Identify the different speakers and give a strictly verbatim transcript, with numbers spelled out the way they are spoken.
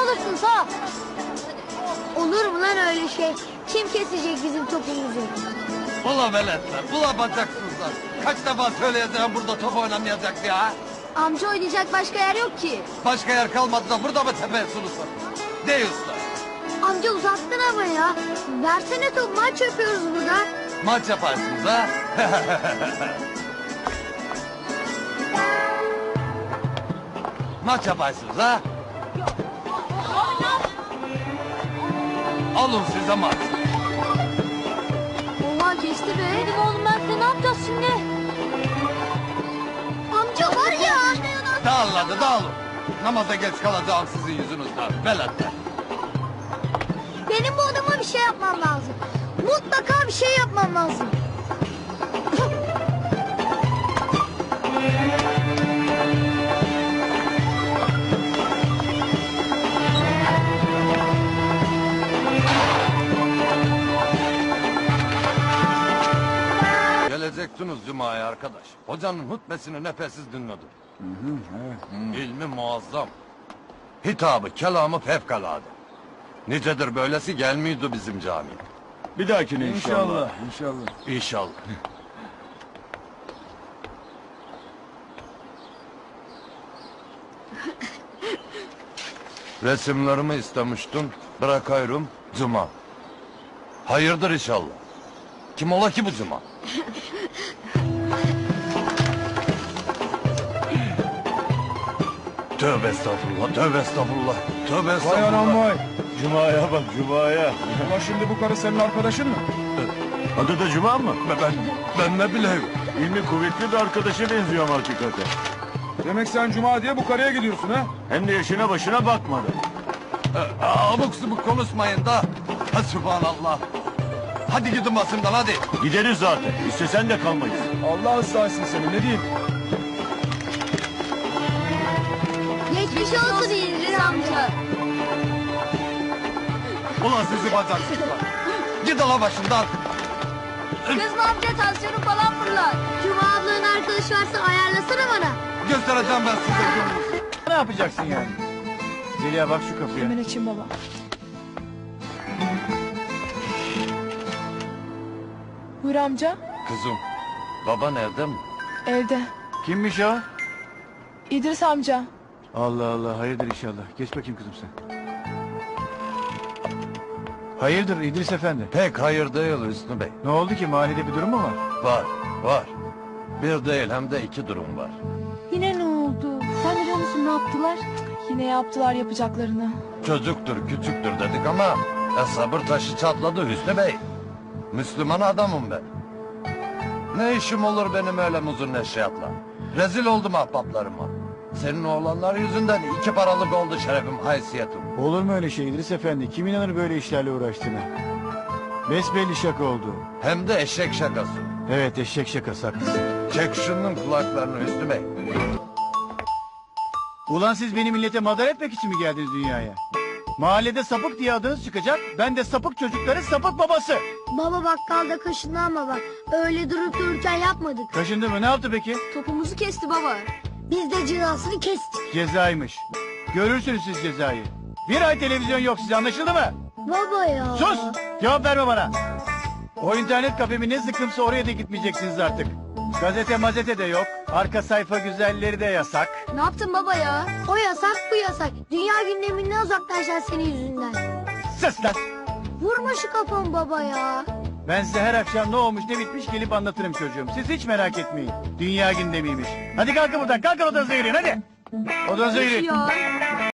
Speaker 1: alırsın sağ. Olur mu lan öyle şey? Kim kesecek bizim topumuzu?
Speaker 2: Ula veletler, ula bacaksızlar. Kaç defa söyleyeceğim burada top oynamayacak ya.
Speaker 1: Amca oynayacak başka yer yok ki.
Speaker 2: Başka yer kalmadı da burada mı tepesin usta? Dey usta.
Speaker 1: Amca uzattın ama ya. Versene top, maç yapıyoruz burada.
Speaker 2: Maç yaparsınız ha? Maç yaparsınız ha? Alın size maç.
Speaker 1: Vallahi kesti be. Benim oğlum Mert'le ne yapacağız şimdi? Amca var ya.
Speaker 2: Dağılın hadi dağılın. Namaza geç kalacağım sizin yüzünüzden. Veletler.
Speaker 1: Benim bu adama bir şey yapmam lazım. Mutlaka bir şey yapmam lazım.
Speaker 2: Gelecektiniz Cuma'ya arkadaş. Hocanın hutbesini nefessiz dinledim. Hı hı, evet. İlmi muazzam. Hitabı, kelamı fevkalade. Nicedir böylesi gelmiyordu bizim camiye.
Speaker 3: Bir dahakine inşallah.
Speaker 4: İnşallah, inşallah.
Speaker 2: İnşallah. Resimlerimi istemiştin, bırakıyorum Cuma. Hayırdır inşallah. Kim ola ki bu Cuma? Tövbe estağfurullah, tövbe estağfurullah, tövbe
Speaker 4: Vay
Speaker 2: estağfurullah.
Speaker 4: anam vay.
Speaker 3: Cuma'ya bak Cuma'ya.
Speaker 4: Ulan şimdi bu karı senin arkadaşın mı?
Speaker 3: Adı da Cuma mı?
Speaker 2: Ben, ben, ben ne bileyim.
Speaker 3: İlmi kuvvetli bir arkadaşa benziyor ama hakikaten.
Speaker 4: Demek sen Cuma diye bu karıya gidiyorsun ha?
Speaker 3: Hem de yaşına başına bakmadı.
Speaker 2: Ee, abuk subuk konuşmayın da. Ha, Sübhanallah. Hadi gidin basından hadi.
Speaker 3: Gideriz zaten. İstesen de kalmayız.
Speaker 4: Allah ıslahsın seni, ne diyeyim?
Speaker 1: Geçmiş olsun İdris amca.
Speaker 2: Ulan sizi bacaksızlar. Gidin la başından.
Speaker 1: Kızma amca, tansiyonu falan fırlar. Cuma ablanın arkadaşı varsa ayarlasana bana.
Speaker 2: Göstereceğim ben size gününüzü.
Speaker 4: Ne yapacaksın yani? Zeliha bak şu kapıya.
Speaker 5: Hemen açayım baba. Buyur amca.
Speaker 2: Kızım, baba nerede mi?
Speaker 5: Evde.
Speaker 4: Kimmiş o?
Speaker 5: İdris amca.
Speaker 4: Allah Allah, hayırdır inşallah. Geç bakayım kızım sen. Hayırdır İdris Efendi?
Speaker 2: Pek hayır değil Hüsnü Bey.
Speaker 4: Ne oldu ki, mahallede bir durum mu var?
Speaker 2: Var, var. Bir değil hem de iki durum var.
Speaker 5: Yine ne oldu? Sen de biliyor musun ne yaptılar? Yine yaptılar yapacaklarını.
Speaker 2: Çocuktur, küçüktür dedik ama... E, sabır taşı çatladı Hüsnü Bey. Müslüman adamım ben. Ne işim olur benim öyle muzun neşriyatla? Rezil oldum ahbaplarıma. Senin oğlanlar yüzünden iki paralık oldu şerefim, haysiyetim.
Speaker 4: Olur mu öyle şey İdris Efendi? Kim inanır böyle işlerle uğraştığına? Besbelli şaka oldu.
Speaker 2: Hem de eşek şakası.
Speaker 4: Evet, eşek şakası, haklısın.
Speaker 2: Çek şunun kulaklarını Hüsnü Bey.
Speaker 4: Ulan siz beni millete madar etmek için mi geldiniz dünyaya? Mahallede sapık diye adınız çıkacak, ben de sapık çocukların sapık babası.
Speaker 1: Baba bakkalda kaşındı ama bak. Öyle durup dururken yapmadık.
Speaker 4: Kaşındı mı, ne yaptı peki?
Speaker 1: Topumuzu kesti baba. Biz de cezasını kestik.
Speaker 4: Cezaymış. Görürsünüz siz cezayı. Bir ay televizyon yok size, anlaşıldı mı?
Speaker 1: Baba ya.
Speaker 4: Sus! Cevap verme bana. O internet kafemi ne sıkımsa oraya da gitmeyeceksiniz artık. Gazete mazete de yok. Arka sayfa güzelleri de yasak.
Speaker 1: Ne yaptın baba ya? O yasak, bu yasak. Dünya gündeminden uzaklaşacaksın senin yüzünden.
Speaker 4: Sus lan!
Speaker 1: Vurma şu kafamı baba ya.
Speaker 4: Ben size her akşam ne olmuş ne bitmiş gelip anlatırım çocuğum. Siz hiç merak etmeyin. Dünya gündemiymiş. Hadi kalkın buradan, kalkın odanıza yürüyün hadi. Odanıza yürüyün.
Speaker 1: Ya.